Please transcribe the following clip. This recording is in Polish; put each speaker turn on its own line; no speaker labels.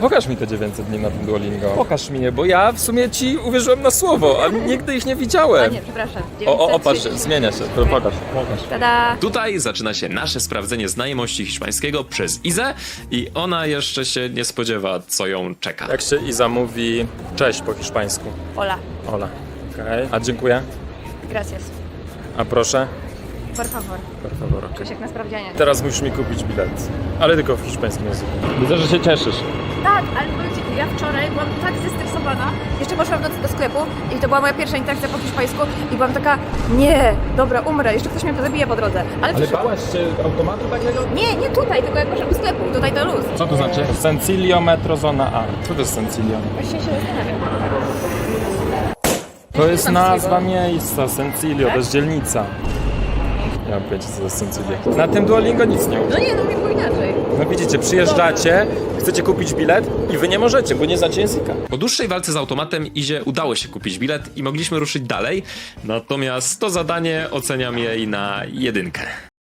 Pokaż mi te 900 dni na tym Duolingo. Pokaż mi je, bo ja w sumie ci uwierzyłem na słowo, a nigdy ich nie
A
widziałem.
nie, przepraszam.
O, patrz, zmienia się. Pokaż.
Tada!
Tutaj zaczyna się nasze sprawdzenie znajomości hiszpańskiego przez Izę i ona jeszcze się nie spodziewa, co ją czeka.
Jak się Iza mówi cześć po hiszpańsku?
Ola.
Ola. Okej. A dziękuję.
Gracias.
A proszę?
Por favor.
Per favor, okej.
Czuć jak na sprawdzianie.
Teraz musisz mi kupić bilet. Ale tylko w hiszpańskim języku. Widzę, że się cieszysz.
Tak, ale powiem ci, ja wczoraj byłam tak zestresowana. Jeszcze poszłam do sklepu i to była moja pierwsza interakcja po hiszpańsku i byłam taka, nie, dobra, umrę, jeszcze ktoś mnie zabije po drodze. Ale
bałaś się automatu takiego?
nie tutaj, tylko jak poszłam do sklepu, tutaj to luz.
Co to znaczy? Sencilio Metro Zona A. Co to jest Sencilio?
Właśnie się zastanawiam.
To jest nazwa miejsca, Sencilio, to jest dzielnica. Ja mam pojęcia, co to jest Sencilio. Na tym Duolingo nic nie uczy.
No nie, no nie było inaczej.
No widzicie, przyjeżdżacie, chcecie kupić bilet i wy nie możecie, bo nie znacie języka.
Po dłuższej walce z automatem Izie udało się kupić bilet i mogliśmy ruszyć dalej, natomiast to zadanie oceniam jej na 1.